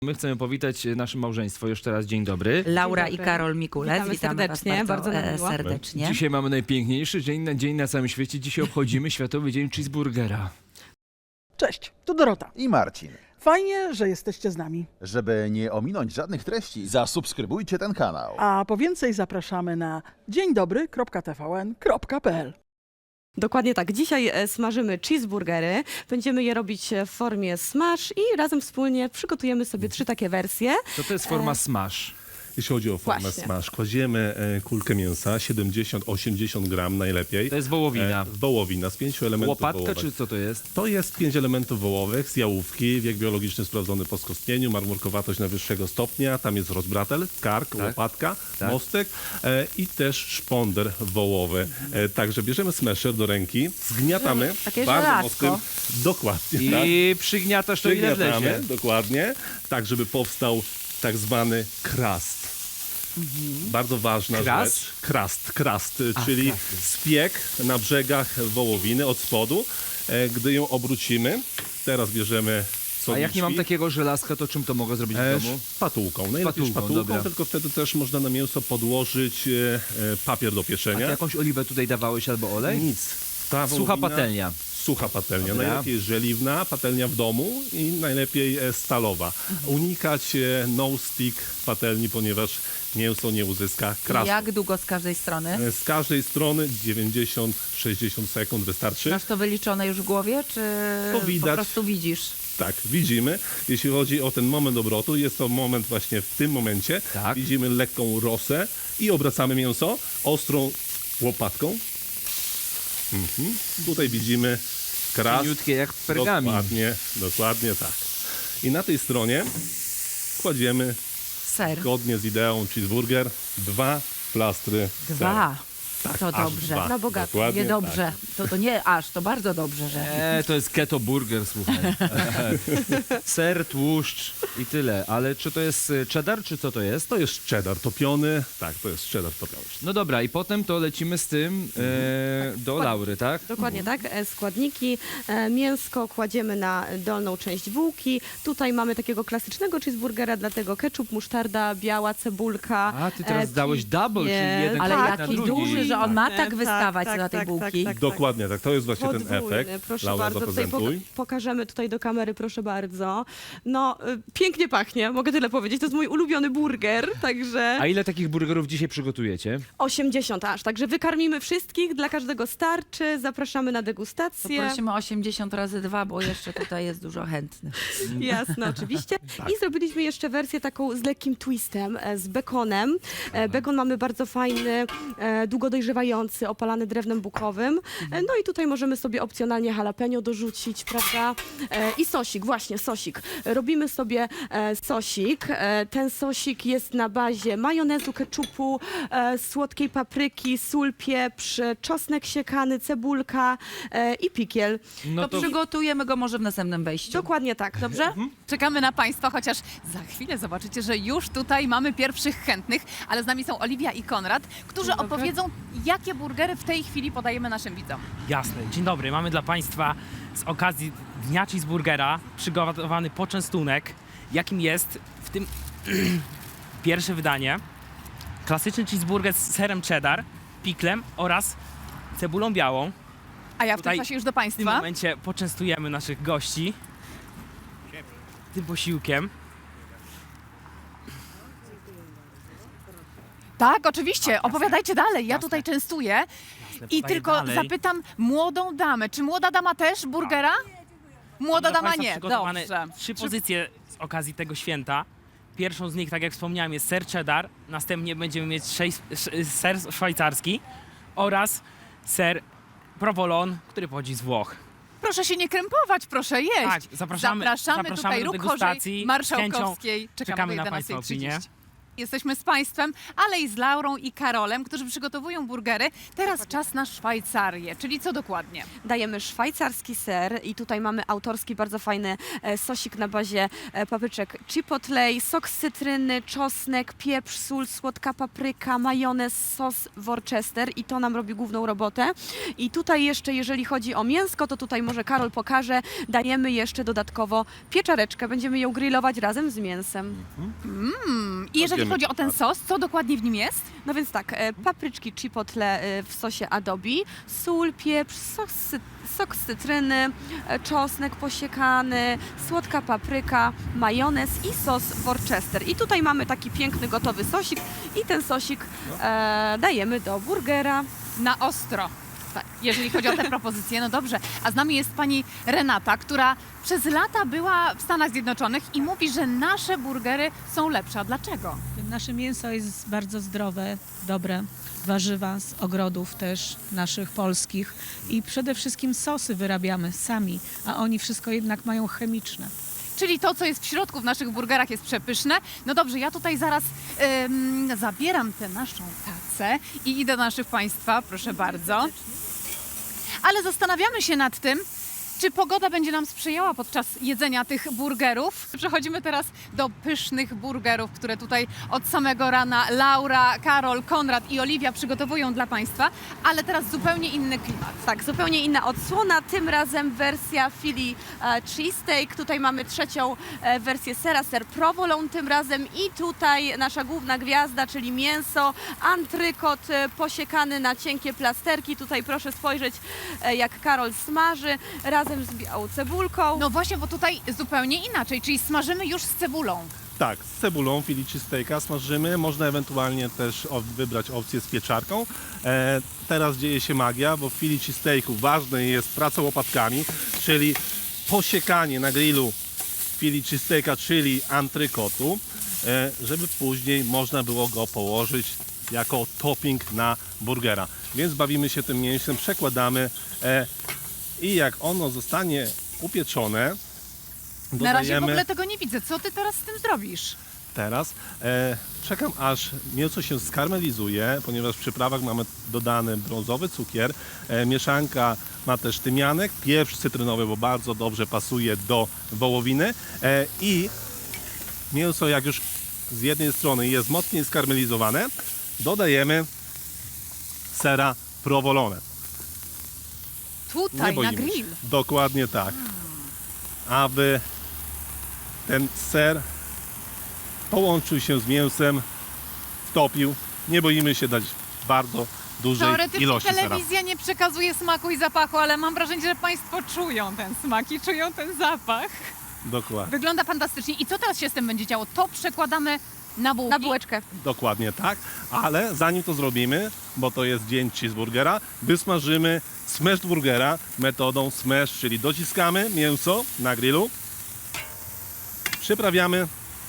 My chcemy powitać nasze małżeństwo. Jeszcze raz dzień dobry. Laura Dzień i dobry. Karol Mikulec. Witamy serdecznie, bardzo nam miło. serdecznie. Dzisiaj mamy najpiękniejszy dzień na całym świecie. Dzisiaj obchodzimy Światowy Dzień Cheeseburgera. Cześć, tu Dorota. I Marcin. Fajnie, że jesteście z nami. Żeby nie ominąć żadnych treści, zasubskrybujcie ten kanał. A po więcej zapraszamy na dzieńdobry.tvn.pl. Dokładnie tak. Dzisiaj smażymy cheeseburgery. Będziemy je robić w formie smash i razem wspólnie przygotujemy sobie 3 takie wersje. To jest forma smash. Jeśli chodzi o formę Właśnie. smash, kładziemy kulkę mięsa, 70-80 gram najlepiej. To jest wołowina. Wołowina z 5 elementów Łopatka wołowych. czy co to jest? To jest 5 elementów wołowych z jałówki, wiek biologiczny sprawdzony po skostnieniu, marmurkowatość najwyższego stopnia, tam jest rozbratel, kark, łopatka, mostek i też szponder wołowy. Także bierzemy smasher do ręki, zgniatamy Takie bardzo żelazko. mocnym, dokładnie tak. I przygniatasz to ile wlezie. Dokładnie, tak żeby powstał tak zwany crust. Bardzo ważna Crust? rzecz. Crust, czyli spiek na brzegach wołowiny od spodu. Gdy ją obrócimy, teraz bierzemy A jak nie mam takiego takiego żelazka, to czym to mogę zrobić w domu? Szpatułką. Najlepiej Szpatułką, szpatułką, dobra. tylko wtedy też można na mięso podłożyć papier do A pieczenia. ty jakąś oliwę tutaj dawałeś albo olej? Nic. Ta Sucha wołowina- patelnia. Sucha patelnia. Dobra. Najlepiej żeliwna, patelnia w domu i najlepiej stalowa. Unikać no-stick patelni, ponieważ mięso nie uzyska krasu. Jak długo z każdej strony? Z każdej strony 90-60 sekund wystarczy. Masz to wyliczone już w głowie, czy To po widać. prostu widzisz? Tak, widzimy. Jeśli chodzi o ten moment obrotu, jest to moment właśnie w tym momencie. Tak. Widzimy lekką rosę i obracamy mięso ostrą łopatką. Tutaj widzimy kras. Cieniutkie jak pergamin. Dokładnie tak. I na tej stronie kładziemy Ser. zgodnie z ideą cheeseburger 2 plastry sera. 2. Tak, To aż dobrze. 2. Na bogato. Dokładnie Nie dobrze. To nie aż, to bardzo dobrze, że... To jest keto burger, słuchaj. Ser, tłuszcz i tyle. Ale czy to jest cheddar, czy co to jest? To jest cheddar topiony. Tak, to jest cheddar topiony. No dobra, i potem to lecimy z tym do Laury, tak? Dokładnie tak. Składniki. Mięsko kładziemy na dolną część bułki. Tutaj mamy takiego klasycznego cheeseburgera, dlatego ketchup, musztarda, biała cebulka. A, ty teraz dałeś double, czyli jest. jeden Ale kawałek na jaki drugi. duży, że on ma tak Tak, wystawać tak, na tej tak, bułki. tak, tak. Dokładnie tak, to jest właśnie ten Podwójny, efekt. proszę Laura, bardzo. Tutaj zaprezentuj. pokażemy tutaj do kamery, proszę bardzo. No, pięknie pachnie, mogę tyle powiedzieć. To jest mój ulubiony burger, także A ile takich burgerów dzisiaj przygotujecie? 80 aż. Także wykarmimy wszystkich, dla każdego starczy. Zapraszamy na To degustację. prosimy 80 razy 2, bo jeszcze tutaj jest dużo chętnych. Jasne, oczywiście. I zrobiliśmy jeszcze wersję taką z lekkim twistem, z bekonem. Bekon mamy bardzo fajny, długo dojrzewający, opalany drewnem bukowym. No i tutaj możemy sobie opcjonalnie jalapeno dorzucić, prawda? I sosik, właśnie sosik. Robimy sobie sosik. Ten sosik jest na bazie majonezu, ketchupu, słodkiej papryki, sól, pieprz, czosnek siekany, cebulka i pikiel. No To przygotujemy go może w następnym wejściu. Dokładnie tak. Dobrze? Czekamy na Państwa, chociaż za chwilę zobaczycie, że już tutaj mamy pierwszych chętnych, ale z nami są Oliwia i Konrad, którzy opowiedzą, jakie burgery w tej chwili podajemy naszym widzom. Jasne. Dzień dobry. Mamy dla Państwa z okazji Dnia Cheeseburgera przygotowany poczęstunek, jakim jest w tym pierwsze wydanie. Klasyczny cheeseburger z serem cheddar, piklem oraz cebulą białą. A ja w tym Tutaj czasie już do W tym Państwa. momencie poczęstujemy naszych gości tym posiłkiem. Tak, oczywiście, opowiadajcie dalej, ja tutaj częstuję. I podaję tylko dalej. zapytam młodą damę, czy młoda dama też burgera? Młoda Dla dama Państwa nie, przygotowane dobrze. 3 pozycje z okazji tego święta. Pierwszą z nich, tak jak wspomniałem, jest ser cheddar. Następnie będziemy mieć ser szwajcarski oraz ser provolone, który pochodzi z Włoch. Proszę się nie krępować, proszę jeść. Tak, zapraszamy Zapraszamy tutaj do ruch degustacji. Chorzej Marszałkowskiej. Czekamy na do Państwa opinię. 11:30. Jesteśmy z Państwem, ale i z Laurą i Karolem, którzy przygotowują burgery. Teraz czas na Szwajcarię, czyli co dokładnie? Dajemy szwajcarski ser i tutaj mamy autorski, bardzo fajny sosik na bazie papryczek chipotle, sok z cytryny, czosnek, pieprz, sól, słodka papryka, majonez, sos Worcester i to nam robi główną robotę. I tutaj jeszcze, jeżeli chodzi o mięsko, to tutaj może Karol pokaże, dajemy jeszcze dodatkowo pieczareczkę, będziemy ją grillować razem z mięsem. I jeżeli Wiemy, chodzi o ten sos, co dokładnie w nim jest? No więc tak, papryczki chipotle w sosie adobe, sól, pieprz, sok z cytryny, czosnek posiekany, słodka papryka, majonez i sos Worcester. I tutaj mamy taki piękny, gotowy sosik i ten sosik dajemy do burgera. Na ostro. Tak, jeżeli chodzi o te propozycje, no dobrze. A z nami jest pani Renata, która przez lata była w Stanach Zjednoczonych i mówi, że nasze burgery są lepsze. A dlaczego? Nasze mięso jest bardzo zdrowe, dobre, warzywa z ogrodów też naszych polskich i przede wszystkim sosy wyrabiamy sami, a oni wszystko jednak mają chemiczne. Czyli to, co jest w środku w naszych burgerach jest przepyszne. No dobrze, ja tutaj zaraz zabieram tę naszą tacę i idę do naszych Państwa, proszę bardzo. Ale zastanawiamy się nad tym, czy pogoda będzie nam sprzyjała podczas jedzenia tych burgerów. Przechodzimy teraz do pysznych burgerów, które tutaj od samego rana Laura, Karol, Konrad i Oliwia przygotowują dla Państwa, ale teraz zupełnie inny klimat. Tak, zupełnie inna odsłona, tym razem wersja Philly cheesesteak. Tutaj mamy trzecią wersję sera, ser provolone tym razem i tutaj nasza główna gwiazda, czyli mięso, antrykot posiekany na cienkie plasterki. Tutaj proszę spojrzeć, jak Karol smaży razem z białą cebulką. No właśnie, bo tutaj zupełnie inaczej, czyli smażymy już z cebulą. Tak, z cebulą Philly cheesesteaka smażymy. Można ewentualnie też wybrać opcję z pieczarką. Teraz dzieje się magia, bo w Philly cheesesteaku ważne jest praca łopatkami, czyli posiekanie na grillu Philly cheesesteaka, czyli antrykotu, żeby później można było go położyć jako topping na burgera. Więc bawimy się tym mięsem, przekładamy i jak ono zostanie upieczone, Na razie w dodajemy... ogóle tego nie widzę. Co ty teraz z tym zrobisz? Teraz czekam, aż mięso się skarmelizuje, ponieważ w przyprawach mamy dodany brązowy cukier. Mieszanka ma też tymianek, pieprz cytrynowy, bo bardzo dobrze pasuje do wołowiny. I mięso, jak już z jednej strony jest mocniej skarmelizowane, dodajemy sera provolone. Tutaj, na boimy grill. się. Dokładnie tak. Aby ten ser połączył się z mięsem, wtopił. Nie boimy się dać bardzo dużej Teoretycznie ilości sera. telewizja nie przekazuje smaku i zapachu, ale mam wrażenie, że Państwo czują ten smak i czują ten zapach. Dokładnie. Wygląda fantastycznie. I co teraz się z tym będzie działo? To przekładamy na bułki. Na bułeczkę. Dokładnie tak, ale zanim to zrobimy, bo to jest dzień cheeseburgera, wysmażymy smashed burgera metodą smash, czyli dociskamy mięso na grillu, przyprawiamy.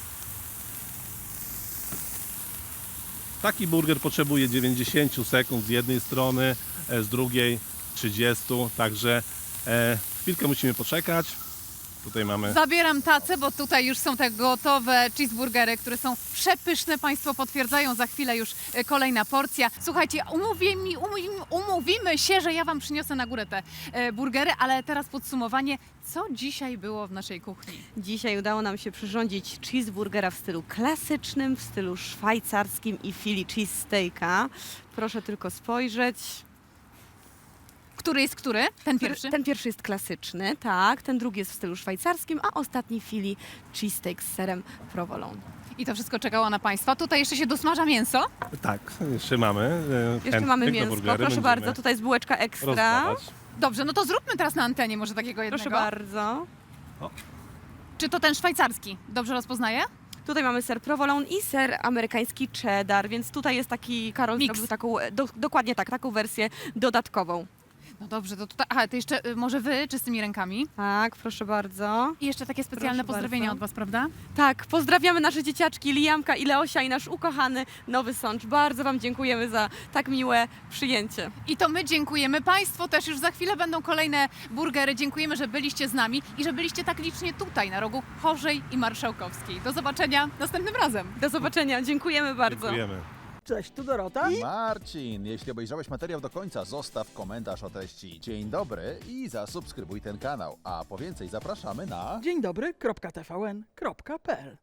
Taki burger potrzebuje 90 sekund z jednej strony, z drugiej 30, także chwilkę musimy poczekać. Tutaj mamy... Zabieram tacę, bo tutaj już są te gotowe cheeseburgery, które są przepyszne. Państwo potwierdzają, za chwilę już kolejna porcja. Słuchajcie, umówimy się, że ja Wam przyniosę na górę te burgery, ale teraz podsumowanie. Co dzisiaj było w naszej kuchni? Dzisiaj udało nam się przyrządzić cheeseburgera w stylu klasycznym, w stylu szwajcarskim i Philly cheesesteaka. Proszę tylko spojrzeć. Który jest który? Ten pierwszy? Ten pierwszy jest klasyczny, tak. Ten drugi jest w stylu szwajcarskim, a ostatni Philly cheesesteak z serem provolone. I to wszystko czekało na Państwa. Tutaj jeszcze się dosmaża mięso. Tak, jeszcze mamy. Jeszcze mamy chętnych do mięsko, burgery, proszę będziemy bardzo. Tutaj jest bułeczka ekstra. rozdawać. Dobrze, no to zróbmy teraz na antenie może takiego jednego. Proszę bardzo. Czy to ten szwajcarski? Dobrze rozpoznaję? Tutaj mamy ser provolone i ser amerykański cheddar, więc tutaj jest taki, Karol Mix. zrobił taką, dokładnie tak, taką wersję dodatkową. No dobrze, to tutaj... Aha, to jeszcze może wy czystymi rękami. Tak, proszę bardzo. I jeszcze takie specjalne Proszę pozdrowienia bardzo. od was, prawda? Tak, pozdrawiamy nasze dzieciaczki Liamka i Leosia i nasz ukochany Nowy Sącz. Bardzo wam dziękujemy za tak miłe przyjęcie. I to my dziękujemy. Państwu też już za chwilę będą kolejne burgery. Dziękujemy, że byliście z nami i że byliście tak licznie tutaj, na rogu Chorzej i Marszałkowskiej. Do zobaczenia następnym razem. Do zobaczenia, dziękujemy bardzo. Dziękujemy. Cześć, tu Dorota. Marcin, jeśli obejrzałeś materiał do końca, zostaw komentarz o treści dzień dobry i zasubskrybuj ten kanał. A po więcej zapraszamy na... Dzień dobry.tvn.pl